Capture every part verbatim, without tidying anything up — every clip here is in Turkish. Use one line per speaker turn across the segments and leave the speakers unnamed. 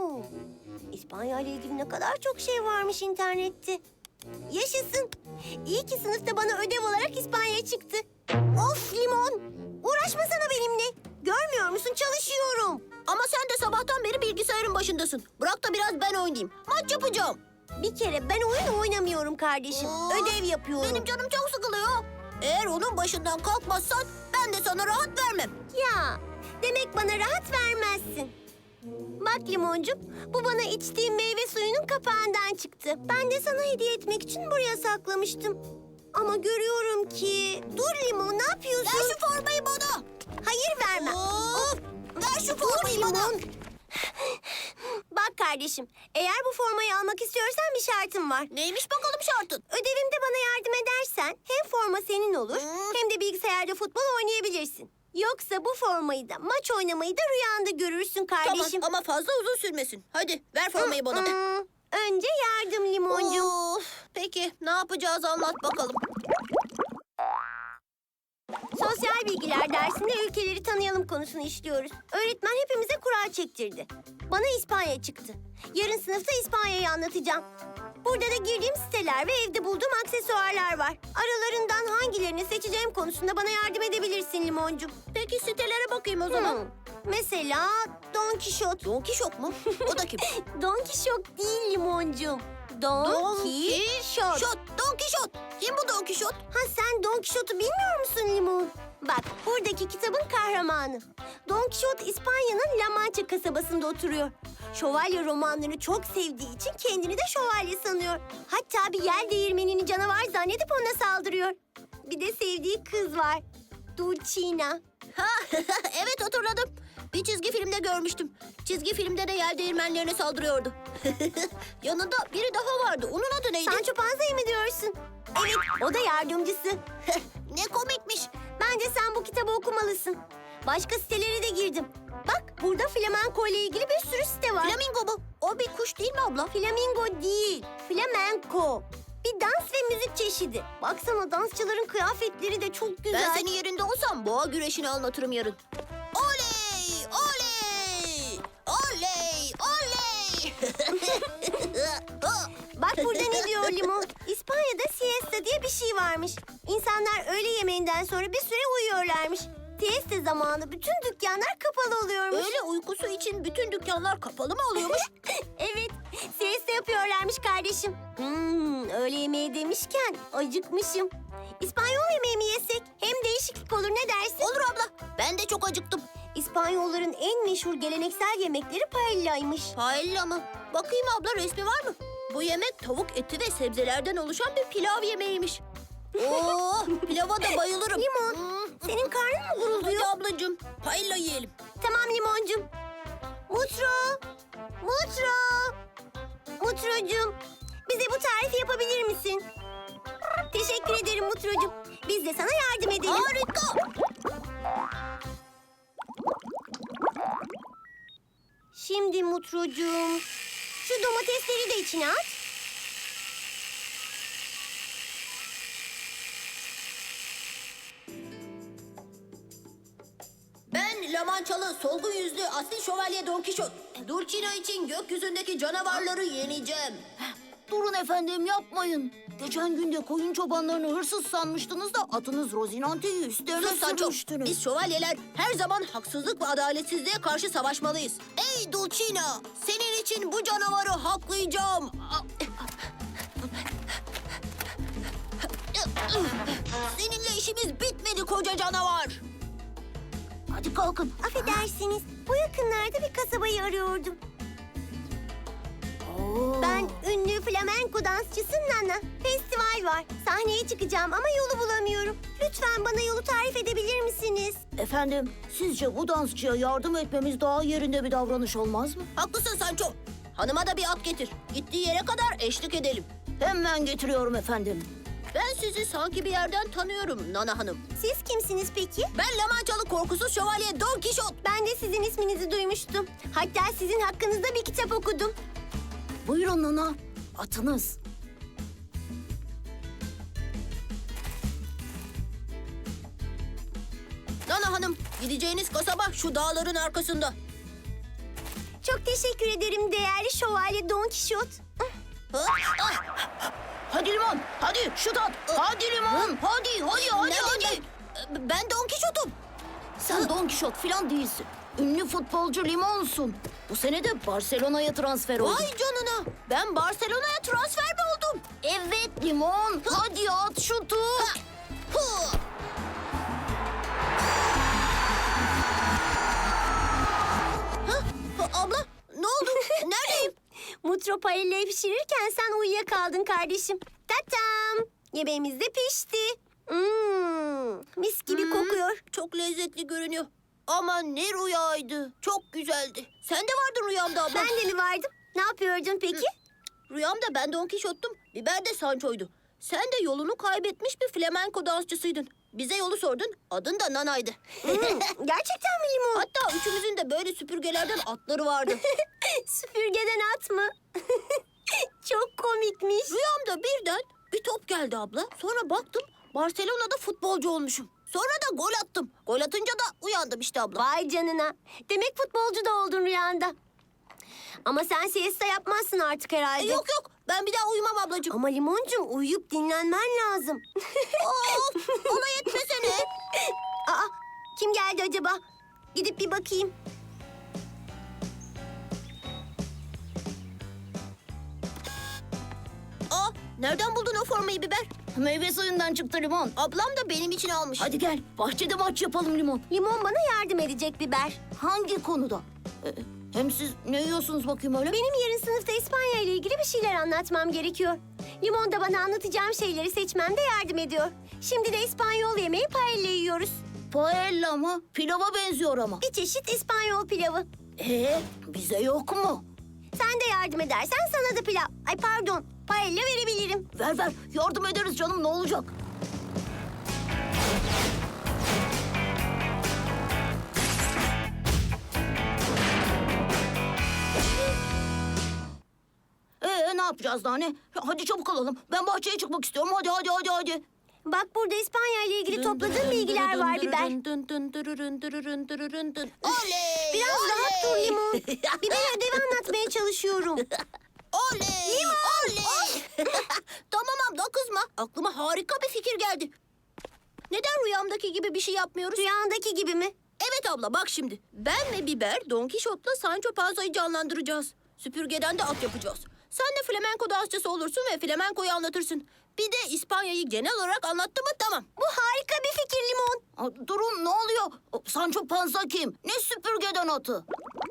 Oo, İspanya ile ilgili ne kadar çok şey varmış internette. Yaşasın. İyi ki sınıfta bana ödev olarak İspanya çıktı. Of Limon. Uğraşmasana benimle. Görmüyor musun? Çalışıyorum.
Ama sen de sabahtan beri bilgisayarın başındasın. Bırak da biraz ben oynayayım. Maç yapacağım.
Bir kere ben oyun oynamıyorum kardeşim.
Aa,
Ödev yapıyorum.
Benim canım çok sıkılıyor. Eğer onun başından kalkmazsan ben de sana rahat vermem.
Ya, demek bana rahat vermezsin. Bak Limoncum, bu bana içtiğim meyve suyunun kapağından çıktı. Ben de sana hediye etmek için buraya saklamıştım. Ama görüyorum ki... Dur Limon, ne yapıyorsun?
Ver şu formayı bana.
Hayır vermem.
Of, ver şu
Dur
formayı bana.
Limon. Bak kardeşim, eğer bu formayı almak istiyorsan bir şartım var.
Neymiş bakalım şartın?
Ödevimde bana yardım edersen hem forma senin olur
Hmm.
hem de bilgisayarda futbol oynayabilirsin. Yoksa bu formayı da maç oynamayı da rüyanda görürsün kardeşim.
Tamam ama fazla uzun sürmesin. Hadi ver formayı bana.
Hmm, Önce yardım Limoncuğum.
Of, peki ne yapacağız anlat bakalım.
Sosyal bilgiler dersinde ülkeleri tanıyalım konusunu işliyoruz. Öğretmen hepimize kura çektirdi. Bana İspanya çıktı. Yarın sınıfta İspanya'yı anlatacağım. Burada da girdiğim siteler ve evde bulduğum aksesuarlar var. Aralarından hangilerini seçeceğim konusunda bana yardım edebilirsin Limoncuğum.
Peki sitelere bakayım o zaman.
Hmm, Mesela Don Kişot.
Don Kişot mu? O da kim?
Don Kişot değil Limoncuğum. Don,
Don
Kişot.
Kişot. Don Kişot. Kim bu Don Kişot?
Ha sen Don Kişot'u bilmiyor musun Limon? Bak buradaki kitabın kahramanı. Don Kişot İspanya'nın La Mancha kasabasında oturuyor. Şövalye romanlarını çok sevdiği için kendini de şövalye sanıyor. Hatta bir yel değirmenini canavar zannedip ona saldırıyor. Bir de sevdiği kız var. Dulcina.
Ha, evet hatırladım. Bir çizgi filmde görmüştüm. Çizgi filmde de yel değirmenlerine saldırıyordu. Yanında biri daha vardı. Onun adı neydi?
Sancho Panza'yı mı diyorsun? Evet, o da yardımcısı.
Ne komikmiş.
Bence sen bu kitabı okumalısın. Başka sitelere de girdim. Bak burada flamenco ile ilgili bir sürü site var.
Flamingo bu. O bir kuş değil mi abla?
Flamingo değil, flamenco. Bir dans ve müzik çeşidi. Baksana dansçıların kıyafetleri de çok güzel.
Ben senin yerinde olsam boğa güreşini anlatırım yarın. Oley! Oley! Oley! Oley!
Bak burada ne diyor Limon? İspanya'da siesta diye bir şey varmış. İnsanlar öğle yemeğinden sonra bir süre uyuyorlarmış. Siesta zamanı bütün dükkanlar kapalı oluyormuş.
Öyle uykusu için bütün dükkanlar kapalı mı oluyormuş?
Evet, siesta yapıyorlarmış kardeşim. Hmm, öğle yemeği demişken acıkmışım. İspanyol yemeği mi yesek? Hem değişiklik olur, ne dersin?
Olur abla. Ben de çok acıktım.
İspanyolların en meşhur geleneksel yemekleri paella'ymış.
Paella mı? Bakayım abla resmi var mı? Bu yemek tavuk eti ve sebzelerden oluşan bir pilav yemeğiymiş. Oo, pilava da bayılırım.
Limon,
Hmm.
senin karnın mı gurulduyor?
Hadi ablacığım, paella yiyelim.
Tamam Limoncum. Mutro, Mutro, Mutrocuğum, bize bu tarifi yapabilir misin? Teşekkür ederim Mutrocuğum. Biz de sana yardım edelim.
Harika.
Şimdi Mutrocuğum, şu domatesleri de içine at.
Ben Lamançalı, solgun yüzlü asil şövalye Don Kişot. Dulcina için gökyüzündeki canavarları yeneceğim.
Durun efendim yapmayın. Geçen gün de koyun çobanlarını hırsız sanmıştınız da atınız Rozinante'yi üstlerine
Sus Sancho.
sürmüştünüz.
Biz şövalyeler her zaman haksızlık ve adaletsizliğe karşı savaşmalıyız. Ey Dulcina! Senin için bu canavarı haklayacağım. Seninle işimiz bitmedi koca canavar.
Hadi kalkın.
Affedersiniz, bu yakınlarda bir kasabayı arıyordum.
Oo.
Ben ünlü flamenko dansçısı Nana. Festival var. Sahneye çıkacağım ama yolu bulamıyorum. Lütfen bana yolu tarif edebilir misiniz?
Efendim, sizce bu dansçıya yardım etmemiz daha yerinde bir davranış olmaz mı?
Haklısın Sancho. Hanıma da bir at getir. Gittiği yere kadar eşlik edelim.
Hemen getiriyorum efendim.
Ben sizi sanki bir yerden tanıyorum Nana Hanım.
Siz kimsiniz peki?
Ben Lamançalı korkusuz şövalye Don Kişot.
Ben de sizin isminizi duymuştum. Hatta sizin hakkınızda bir kitap okudum.
Buyurun Nana, atınız.
Nana Hanım, gideceğiniz kasaba şu dağların arkasında.
Çok teşekkür ederim değerli şövalye Don Kişot.
Hadi Limon, hadi şut at. Hadi Limon, hadi, hadi, hadi,
Nereden
hadi.
ben? Ben Don Kişot'um.
Sen Don Kişot falan değilsin. Ünlü futbolcu Limon'sun. Bu sene de Barcelona'ya transfer oldun.
Vay canına. Ben Barcelona'ya transfer mi oldum?
Evet Limon, hadi at şutu.
Hı. Ha, abla ne oldu? Neredeyim?
Mutro paellayı pişirirken sen uyuyakaldın kardeşim. Tatam! Yemeğimiz de pişti. Hmm, mis gibi
Hmm.
kokuyor.
Çok lezzetli görünüyor. Ama ne rüyaydı. Çok güzeldi. Sen de vardın rüyamda abla.
Ben de mi vardım? Ne yapıyordun peki?
Rüyamda ben Don Kişot'tum. Biber de Sancho'ydu. Sen de yolunu kaybetmiş bir flamenko dansçısıydın. Bize yolu sordun. Adın da Nana'ydı.
Hmm, gerçekten mi Limon?
Hatta üçümüzün de böyle süpürgelerden atları vardı.
Süpürgeden at mı? Çok komikmiş.
Rüyamda birden bir top geldi abla. Sonra baktım Barcelona'da futbolcu olmuşum. Sonra da gol attım. Gol atınca da uyandım işte abla.
Vay canına. Demek futbolcu da oldun rüyanda. Ama sen siesta yapmazsın artık herhalde.
E, yok yok ben bir daha uyumam ablacığım.
Ama Limoncuğum uyuyup dinlenmen lazım.
Of ona yetmesene.
Aa, kim geldi acaba? Gidip bir bakayım.
Aa, nereden buldun o formayı biber?
Meyve suyundan çıktı Limon.
Ablam da benim için almış.
Hadi gel, bahçede maç yapalım Limon.
Limon bana yardım edecek biber.
Hangi konuda? Ee, hem siz ne yiyorsunuz bakayım öyle?
Benim yarın sınıfta İspanya ile ilgili bir şeyler anlatmam gerekiyor. Limon da bana anlatacağım şeyleri seçmemde yardım ediyor. Şimdi de İspanyol yemeği paella yiyoruz.
Paella mı? Pilava benziyor ama.
Bir çeşit İspanyol pilavı.
Ee, bize yok mu?
Sen de yardım edersen sana da pilav... Ay pardon, paella verebilirim.
Ver ver, yardım ederiz canım, ne olacak? Ee, ne yapacağız daha ne? Hadi çabuk olalım. Ben bahçeye çıkmak istiyorum. Hadi hadi hadi hadi.
Bak burada İspanya ile ilgili topladığım bilgiler var biber.
Oley!
Biraz rahat dur
oley!
Limon. Biber ödevi anlatmaya çalışıyorum.
Oley! Oley! Tamam abla kızma. Aklıma harika bir fikir geldi. Neden rüyamdaki gibi bir şey yapmıyoruz?
Rüyandaki gibi mi?
Evet abla bak şimdi. Ben ve Biber Don Kişot'la Sancho Panza'yı canlandıracağız. Süpürgeden de at yapacağız. Sen de flamenko dansçısı olursun ve flamenkoyu anlatırsın. Bir de İspanya'yı genel olarak anlattı mı tamam.
Bu harika bir fikir Limon.
Aa, durun, ne oluyor? O, Sancho Panza kim? Ne süpürgeden atı?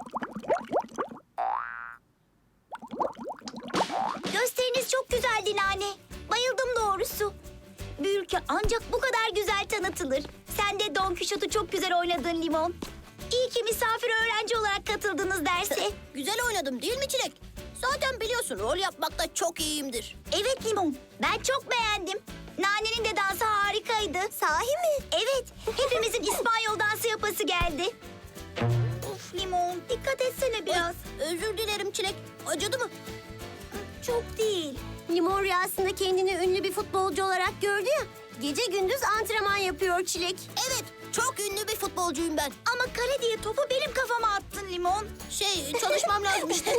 Gösteriniz çok güzeldi Nane. Bayıldım doğrusu. Bir ülke ancak bu kadar güzel tanıtılır. Sen de Don Kişot'u çok güzel oynadın Limon. İyi ki misafir öğrenci olarak katıldınız derse.
Güzel oynadım değil mi Çilek? Zaten biliyorsun rol yapmakta çok iyiyimdir.
Evet Limon, ben çok beğendim. Nane'nin de dansı harikaydı. Sahi mi? Evet, hepimizin İspanyol dansı yapası geldi. Of Limon, dikkat etsene biraz.
Özür dilerim Çilek. Acıdı mı?
Çok değil. Limon rüyasında kendini ünlü bir futbolcu olarak gördü ya. Gece gündüz antrenman yapıyor Çilek.
Evet, çok ünlü bir futbolcuyum ben.
Ama kale diye topu benim kafama attın Limon.
Şey, çalışmam lazım işte.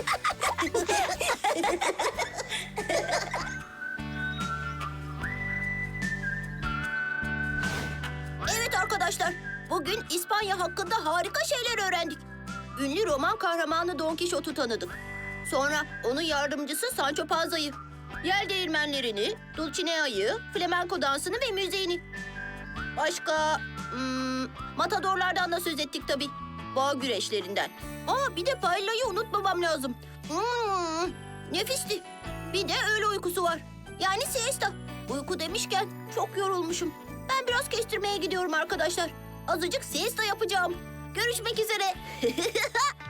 Evet arkadaşlar, bugün İspanya hakkında harika şeyler öğrendik. Ünlü roman kahramanı Don Kişot'u tanıdık. Sonra onun yardımcısı Sancho Panza'yı, yel değirmenlerini, Dulcinea'yı, flamenko dansını ve müziğini. Başka hmm, matadorlardan da söz ettik tabii. Boğa güreşlerinden. Aa bir de paella'yı unutmamam lazım. Hmm, nefisti. Bir de öğle uykusu var. Yani siesta. Uyku demişken çok yorulmuşum. Ben biraz kestirmeye gidiyorum arkadaşlar. Azıcık siesta yapacağım. Görüşmek üzere.